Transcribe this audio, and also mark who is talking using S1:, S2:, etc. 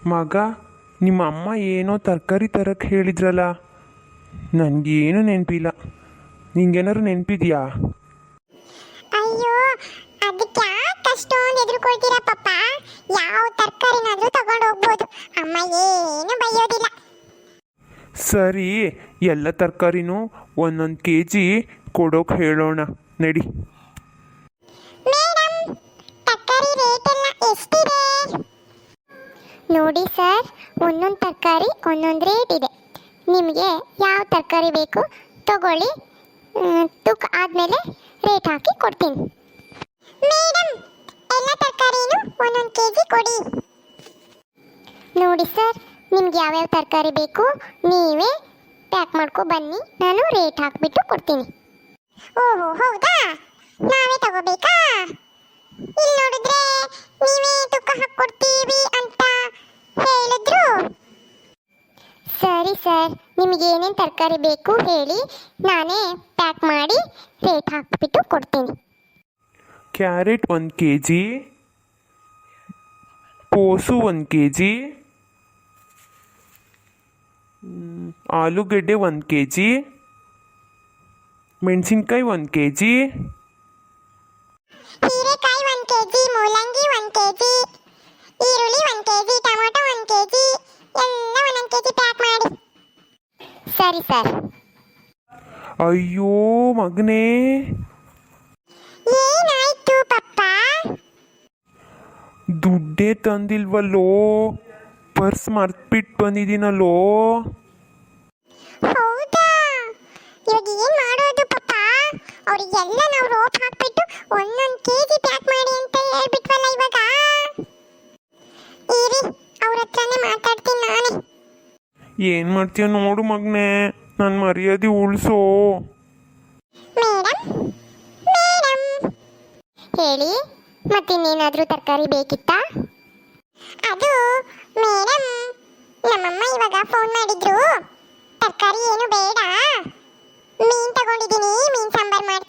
S1: ಮಗ, ನಿಮ್ಮ ಅಮ್ಮ ಏನೋ ತರಕಾರಿ ತರಕ್ಕೆ ಹೇಳಿದ್ರಲ್ಲ, ನನಗೇನು ನೆನಪಿಲ್ಲ. ನಿಂಗೇನಾದ್ರು ನೆನಪಿದೆಯಾ?
S2: ಅಯ್ಯೋ, ಅದಕ್ಕೆ ಯಾಕೆ ಅಷ್ಟೊಂದು ಎದುರುಕೊಳ್ತೀರಾ ಪಪ್ಪ? ಯಾವ ತರಕಾರಿನಾದ್ರೂ ತಗೊಂಡು ಹೋಗ್ಬೋದು, ಅಮ್ಮ ಏನು ಬೈಯೋದಿಲ್ಲ.
S1: ಸರಿ, ಎಲ್ಲ ತರಕಾರಿನೂ ಒಂದೊಂದು ಕೆ ಜಿ ಕೊಡೋಕೆ ಹೇಳೋಣ ನಡಿ.
S2: ಮೇಡಮ್, ತರಕಾರಿ ರೇಟ್ ಎಲ್ಲ ಎಷ್ಟಿದೆ? ನೋಡಿ ಸರ್, ಒಂದೊಂದು ತರಕಾರಿ ಒಂದೊಂದು ರೇಟ್ ಇದೆ. ನಿಮಗೆ ಯಾವ ತರಕಾರಿ ಬೇಕು ತಗೊಳ್ಳಿ, ತೂಕ ಆದಮೇಲೆ ರೇಟ್ ಹಾಕಿ ಕೊಡ್ತೀನಿ. ಮೇಡಮ್, ಎಲ್ಲ ತರಕಾರಿನೂ ಒಂದೊಂದು ಕೆ ಜಿ ಕೊಡಿ. ನೋಡಿ ಸರ್, ನಿಮ್ಗೆ ಯಾವ್ಯಾವ ತರಕಾರಿ ಬೇಕು ನೀವೇ ಪ್ಯಾಕ್ ಮಾಡ್ಕೊ ಬನ್ನಿ, ನಾನು ರೇಟ್ ಹಾಕಿಬಿಟ್ಟು ಕೊಡ್ತೀನಿ. ಓಹೋ, ಹೌದಾ? ನಾವೇ ತಗೋಬೇಕಾ? ಇಲ್ಲಿ ನೋಡಿದ್ರೆ ನೀವೇ ತೂಕ ಹಾಕ್ಕೊಡ್ತೀವಿ ಅಂತ ಹೇಳಿದ್ರು. ಸರಿ ಸರ್, ನಿಮಗೆ ಏನೇನು ತರಕಾರಿ ಬೇಕು ಹೇಳಿ, ನಾನೇ ಪ್ಯಾಕ್ ಮಾಡಿ ರೇಟ್ ಹಾಕಿಬಿಟ್ಟು ಕೊಡ್ತೀನಿ.
S1: ಕ್ಯಾರೆಟ್ 1 ಕೆ ಜಿ, ಕೋಸು 1 ಕೆ ಜಿ, ಆಲೂಗೆಡ್ಡೆ 1 ಕೆ ಜಿ, ಮೆಣಸಿನ್ಕಾಯಿ 1 ಕೆ ಜಿ,
S2: ಹೀರೆಕಾಯಿ 1 ಕೆಜಿ, ಮೂಲಂಗಿ 1 ಕೆಜಿ, ಈರುಳ್ಳಿ 1 ಕೆಜಿ, ಟೊಮೊಟೊ 1 ಕೆಜಿ, ಎಲ್ಲ 1 ಕೆಜಿ ಪ್ಯಾಕ್ ಮಾಡಿ. ಸರಿ ಸರ್.
S1: ಅಯ್ಯೋ ಮಗನೇ,
S2: ಏನಾಯ್ತು ಪಪ್ಪ?
S1: ದುಡ್ಡೇ ತಂದಿಲ್ವಲ್ಲೋ, ಪರ್ಸ್ ಮರ್ತ್ಬಿಟ್ಟು ಬಂದಿದ್ದೀನಲ್ಲೋ.
S2: ಹೌದಾ? ಇವಾಗ ಏನ್ ಮಾಡೋದು ಪಪ್ಪ? ಅವರಿಗೆಲ್ಲ ನಾವು ರೋಪ್ ಹಾಕ್ಬಿಟ್ಟು 1 ಕೆಜಿ ಪ್ಯಾಕ್ ಮಾಡಿ ಅಂತ ಹೇಳ್ಬಿಟ್ವಲ್ಲ ಇವಾಗ. ಇರಿ, ಅವ್ರ ಹತ್ರನೇ ಮಾತಾಡ್ತೀನಿ ನಾನೇ.
S1: ಏನು ಮಾಡ್ತೀಯ ನೋಡು ಮಗನೇ, ನನ್ನ ಮರ್ಯಾದೆ ಉಳಿಸೋ.
S2: ಮೇಡಮ್, ಮೇಡಮ್, ಹೇಳಿ, ಮತ್ತಿನ್ನೇನಾದರೂ ತರಕಾರಿ ಬೇಕಿತ್ತಾ? ಅದು ಮೇಡಮ್, ನಮ್ಮಮ್ಮ ಇವಾಗ ಫೋನ್ ಮಾಡಿದ್ರು, ತರಕಾರಿ ಏನು ಬೇಡ, ಮೀನು ತಗೊಂಡಿದ್ದೀನಿ, ಮೀನು ಸಾಂಬಾರು ಮಾಡ್ತೀನಿ